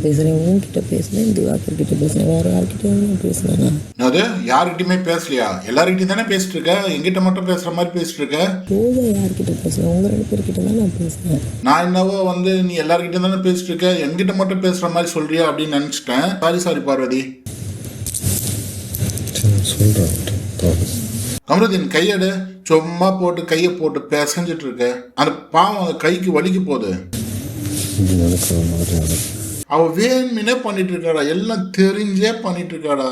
பேசுகிறேன், உங்ககிட்ட பேசுகிறேன், திவாகர் கிட்ட பேசுகிறேன், வேறு யார்கிட்டயும் நான் பேசுகிறேன். அது யார்கிட்டயுமே பேசலையா? எல்லார்கிட்டையும் தானே பேசிட்டு இருக்க, எங்கிட்ட மட்டும் பேசுற மாதிரி பேசிட்டு இருக்க. ரோஜா யார்கிட்ட பேசுகிறேன்? உங்கள் 2 பேர்கிட்ட தான் நான் பேசுகிறேன். நான் என்னவோ நீ எல்லார்கிட்டையும் தானே பேசிட்டு இருக்க, என்கிட்ட மட்டும் பேசுற மாதிரி சொல்றியா அப்படின்னு நினைச்சிட்டேன். சாரி பார்வதி. கமருதீன் கையெடு. சும்மா போட்டு கையை போட்டு பேசஞ்சிட்டு இருக்க. அந்த பாவம் அந்த கைக்கு வலிக்கு போகுது. அவ வேணும்னே பண்ணிட்டு இருக்காடா, எல்லாம் தெரிஞ்சே பண்ணிட்டு இருக்காடா.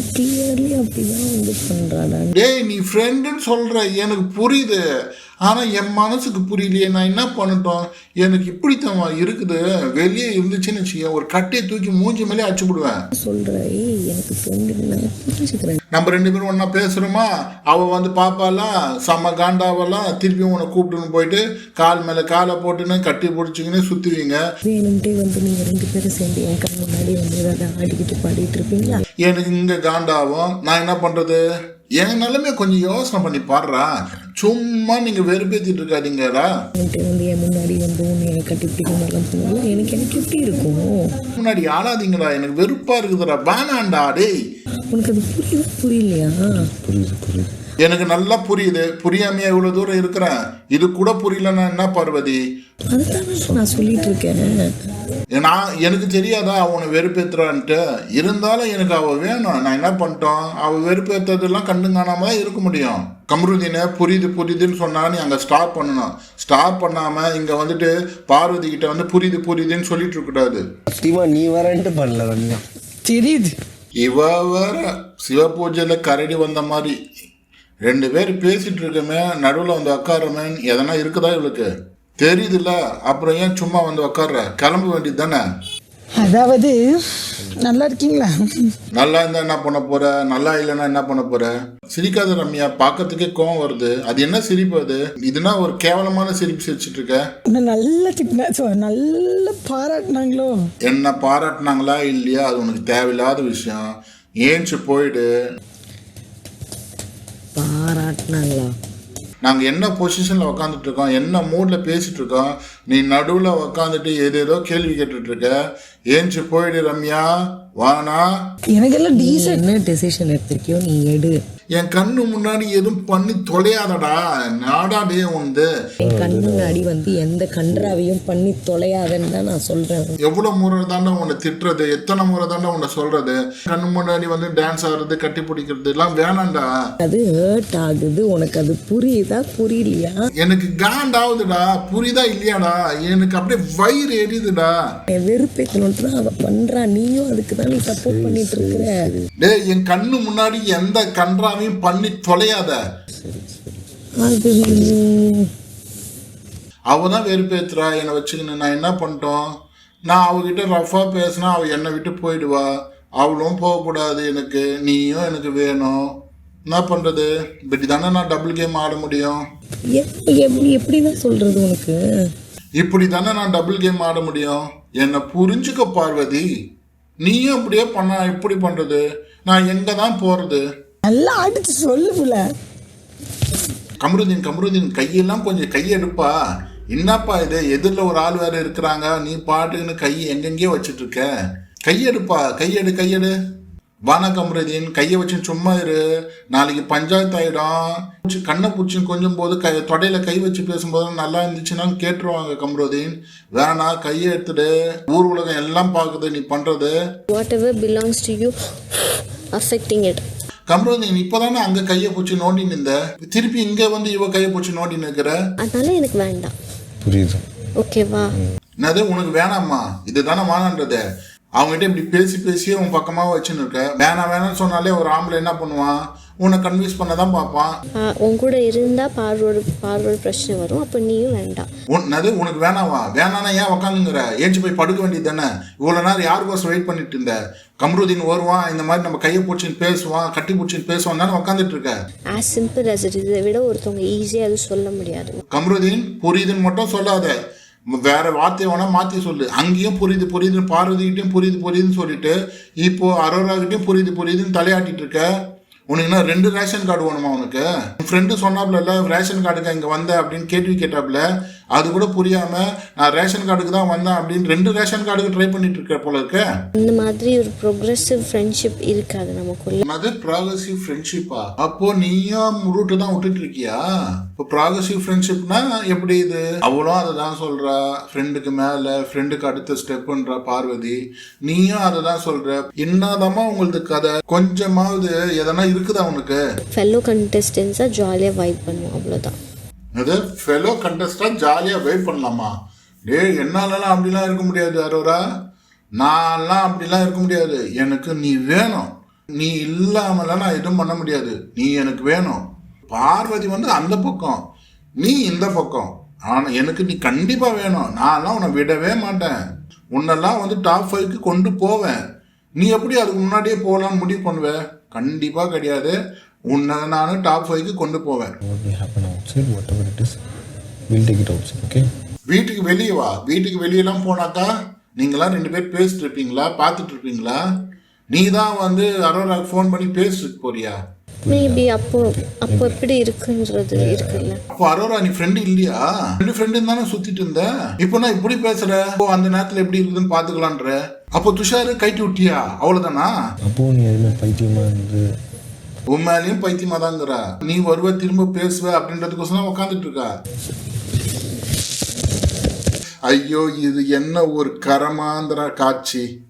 டேய் நீ ஃப்ரெண்டுன்னு சொல்ற, எனக்கு புரியுது, ஆனா என் மனசுக்கு புரியலையே. நான் என்ன பண்ணட்டும்? எனக்கு இப்படித்தான் இருக்குது. வெளியே இருந்துச்சுன்னு வச்சுக்க, ஒரு கட்டையை தூக்கி மூஞ்சி மேலே அடிச்சு விடுவேன். நம்ம 2 பேரும் ஒன்னா பேசுறோமா, அவ பாப்பாலாம் செம்ம காண்டாவெல்லாம் திருப்பி உன்னை கூப்பிட்டுன்னு போயிட்டு கால் மேல காலை போட்டுன்னு கட்டி பிடிச்சிங்கன்னு சுத்துவீங்க. எனக்கு இங்க காண்டாவும். நான் என்ன பண்றது? என் நிலைமை கொஞ்சம் யோசனை பண்ணி பாடுறா. சும்மா நீங்க வெறுப்பேத்திட்டு இருக்காதீங்கடா. முன்னாடி ஆளாதீங்கடா, எனக்கு வெறுப்பா இருக்குதுடா. வேணாண்டா டேய். உனக்கு அது புரியலையா? புரியுது. எனக்கு நல்லா புரியுது. புரியாமையா இவ்வளவு தூரம் இருக்கிறேன். இது கூட புரியலன்னா என்ன பார்வதி? நான் சொல்லிட்டு இருக்கேன். எனக்கு தெரியாதா அவனை வெறுப்பேத்துறான்ட்டு? இருந்தாலும் எனக்கு அவ வேணும். நான் என்ன பண்ணிட்டோம்? அவ வெறுப்பேற்றதெல்லாம் கண்டு காணாம தான் இருக்க முடியும். கமருதீனை புரியுதுன்னு சொன்னா நீ அங்க ஸ்டாப் பண்ணணும். ஸ்டாப் பண்ணாம இங்க பார்வதி கிட்ட புரியுதுன்னு சொல்லிட்டு இருக்க கூடாது. நீ வரன்ட்டு பண்ணல தெரியுது. இவ வேற சிவ பூஜையில கரடி வந்த மாதிரி 2 பேர் பேசிட்டு இருக்கமே, நடுவில் உட்காரமே, எதனா இருக்குதா இவளுக்கு? தெரியுதுல்ல, அப்புறம் ஏன் சும்மா உட்கார்ற? கிளம்ப வேண்டியது தானே. அதாவது நல்லா இருக்கீங்களா? நல்லா இருந்தா என்ன பண்ண போற, நல்லா இல்லைன்னா என்ன பண்ண போற? சிரிக்காத ரம்யா, பார்க்கறதுக்கே கோவம் வருது. அது என்ன சிரிப்பு? அது இதுனா ஒரு கேவலமான சிரிப்பு சிரிச்சிட்டு இருக்க. நல்ல பாராட்டினாங்களோ? என்ன பாராட்டினாங்களா இல்லையா அது உனக்கு தேவையில்லாத விஷயம். ஏஞ்சி போயிடு. பாராட்டினாங்களா? நாங்கள் என்ன பொசிஷனில் உக்காந்துட்டு இருக்கோம், என்ன மூடில் பேசிட்டு இருக்கோம், நீ நடுவில் உக்காந்துட்டு ஏதேதோ கேள்வி கேட்டுட்டு இருக்க. ஏஞ்சி போயிடு ரம்யா, வானா. எனக்கெல்லாம் என்ன டெசிஷன் எடுத்திருக்கியோ நீ எடு. என் கண்ணு முன்னாடி எதுவும் பண்ணி தொலையாதடா. நாடாடே என் கண்ணு முன்னாடி எந்த கன்றாவையும் பண்ணி தொலையாதன்னு தான் நான் சொல்றேன். எவ்வளவு முறை தாண்டா உன்னை திட்டுறது, எத்தனை முறை தாண்டா உன்னை சொல்றது? கண்ணு முன்னாடி டான்ஸ் ஆடுறது, கட்டி பிடிக்கிறது எல்லாம் வேணாண்டா. அது ஹர்ட் ஆகுது. உனக்கு அது புரியுதா புரியலையா? எனக்கு காண்டாவுதுடா. புரியுதா இல்லையாடா? எனக்கு அப்படியே வயிறு எரியுதுடா. வெறுப்பேத்தணும் அவ பண்றா, நீயும் அதுக்கு தான் நீ சப்போர்ட் பண்ணிட்டு இருக்கிற. டேய் என் கண்ணு முன்னாடி எந்த கன்றா பண்ணி தொலையாத. அவதான் வெறுப்பேத்துறா என்னை வச்சுக்கின்னு. நான் என்ன பண்ணிட்டோம்? நான் அவகிட்ட ரஃபா பேசினா அவ என்னை விட்டு போயிடுவா. அவளும் போகக்கூடாது எனக்கு. நீயும் எனக்கு வேணும். என்ன பண்றது? இப்படி தானே நான் டபுள் கேம் ஆட முடியும். எப்படிதான் சொல்றது உனக்கு? இப்படி தானே நான் டபுள் கேம் ஆட முடியும். என்னை புரிஞ்சுக்க பார்வதி. நீயும் அப்படியே பண்ண இப்படி பண்றது, நான் எங்க தான் போறது? நல்லா அடிச்சு சொல்லுல. கமருதீன் கையெல்லாம் கொஞ்சம் கையெடுப்பா. என்னப்பா இது? எதிரில் ஒரு ஆள் வேற இருக்கிறாங்க, நீ பாட்டுக்குன்னு கை எங்கெங்கேயோ வச்சுட்டு இருக்க. கையெடுப்பா, கையெடு. வானா கமருதீன், கையை வச்சு சும்மா இரு. நாளைக்கு பஞ்சாயத்து ஆயிடும். கண்ணை பிடிச்சின்னு கொஞ்சம் போது தொடையில கை வச்சு பேசும்போது நல்லா இருந்துச்சுன்னா கேட்டுருவாங்க. கமருதீன் வேணா, கையை எடுத்துடு. ஊர் உலகம் எல்லாம் பார்க்குது நீ பண்றது. Whatever belongs to you, affecting it. Kamaruddin இப்பதானே அங்க கையை பூச்சி நோண்டி நின்ற, திருப்பி இங்க இவ கையை பூச்சி நோண்டி நிற்கிற. அதனால எனக்கு வேண்டாம். புரியுது. ஓகேவா? என்னது உனக்கு வேணாமா? இதுதானே வேணான்றது. அவங்ககிட்ட இப்படி பேசியே உன் பக்கமா வச்சுன்னு இருக்க. வேணாம்னு சொன்னாலே ஒரு ஆம்பளை என்ன பண்ணுவான்? உன்னை கன்வின்ஸ் பண்ணதான் பார்ப்பான். உன் கூட இருந்தா பார்வோட பிரச்சனை வரும். அப்ப நீயும் வேண்டாம். உனக்கு வேணாவா? வேணானா ஏன் உக்காந்துங்கிற? ஏஞ்சி போய் படுக்க வேண்டியது தானே. இவ்வளவு நேரம் யாருக்கோசம் வெயிட் பண்ணிட்டு இருந்த? கமருதீன் வருவான், இந்த மாதிரி நம்ம கையை பிடிச்சின்னு பேசுவான், கட்டி பிடிச்சின்னு பேசுவான் தானே உட்காந்துட்டு இருக்க. as simple as it is. இதை விட ஒருத்தவங்க ஈஸியா அது சொல்ல முடியாது. கமருதீன் புரியுதுன்னு மட்டும் சொல்லாத, வேற வார்த்தையை வேணா மாத்தி சொல்லு. அங்கேயும் புரியுது பார்வதிகிட்டையும் புரியுதுன்னு சொல்லிட்டு இப்போ அரோராகிட்டையும் புரியுதுன்னு தலையாட்டிட்டு இருக்க. உனக்கு என்ன 2 ரேஷன் கார்டு வேணுமா? உனக்கு ஃப்ரெண்டு சொன்னாப்ல ரேஷன் கார்டுக்கு இங்கே வந்த அப்படின்னு கேட்டாப்ல. அது கூட புரியாம நான் ரேஷன் கார்டுக்கு தான் வந்தேன் அப்படின்னு 2 ரேஷன் கார்டுக்கு ட்ரை பண்ணிட்டு இருக்க போல இருக்க. இந்த மாதிரி ஒரு ப்ரோக்ரெசிவ் ஃப்ரெண்ட்ஷிப் இருக்காது நமக்குள்ள. அது ப்ராக்ரெசிவ் ஃப்ரெண்ட்ஷிப்பா? அப்போ நீயும் ரூட்டு தான் விட்டுட்டு இருக்கியா? இப்போ ப்ராக்ரெசிவ் ஃப்ரெண்ட்ஷிப்னா எப்படி இது? அவளும் அதை தான் சொல்றா, ஃப்ரெண்டுக்கு மேல ஃப்ரெண்டுக்கு அடுத்த ஸ்டெப்ன்றா பார்வதி. நீயும் அதை தான் சொல்ற. என்னதாம்மா உங்களுக்கு கதை? கொஞ்சமாவது எதனா இருக்குதா உனக்கு? ஃபெல்லோ கண்டெஸ்டன்ஸாக ஜாலியாக வைப் பண்ணுவோம், அவ்வளோதான். அது ஃபெலோ கண்டஸ்டாக ஜாலியாக வெயிட் பண்ணலாமா? என்னாலலாம் அப்படிலாம் இருக்க முடியாது அரோரா. நான்லாம் அப்படிலாம் இருக்க முடியாது. எனக்கு நீ வேணும். நீ இல்லாமலாம் நான் எதுவும் பண்ண முடியாது. நீ எனக்கு வேணும். பார்வதி அந்த பக்கம், நீ இந்த பக்கம். ஆனால் எனக்கு நீ கண்டிப்பாக வேணும். நான்லாம் உன்னை விடவே மாட்டேன். உன்னெல்லாம் டாப் 5க்கு கொண்டு போவேன். நீ எப்படி அதுக்கு முன்னாடியே போகலான்னு முடிவு பண்ணுவேன்? கண்டிப்பாக கிடையாது. உன்னை நான் டாப் 5க்கு கொண்டு போவேன். வீட்டுக்கு வெளியே வா. வீட்டுக்கு வெளியெல்லாம் போனாக்கா நீங்களாம் 2 பேர் பேசிட்டு இருப்பீங்களா, பார்த்துட்டு இருப்பீங்களா? நீ தான் அரோராக்கு ஃபோன் பண்ணி பேசிட்டு போறியா? மேபி அப்போ எப்படி இருக்குன்றது இருக்குல்ல. அப்போ அரோரா நீ ஃப்ரெண்டு இல்லையா? 2 ஃப்ரெண்டு தானே சுத்திட்டு இருந்த. இப்போ நான் இப்படி பேசுற. அந்த நேரத்துல எப்படி இருக்குதுன்னு பாத்துக்கலான்ற. அப்போ துஷாரு கைட்டி விட்டியா? அவ்வளவுதானா? அப்போ நீ எதுவுமே பைத்தியமா இருந்து உன் மேலேயும் பைத்தியமா தாங்கிறா. நீ வருவ திரும்ப பேசுவ அப்படின்றதுக்கோசம் உட்காந்துட்டு இருக்கா. ஐயோ, இது என்ன ஒரு கரமாந்திர காட்சி.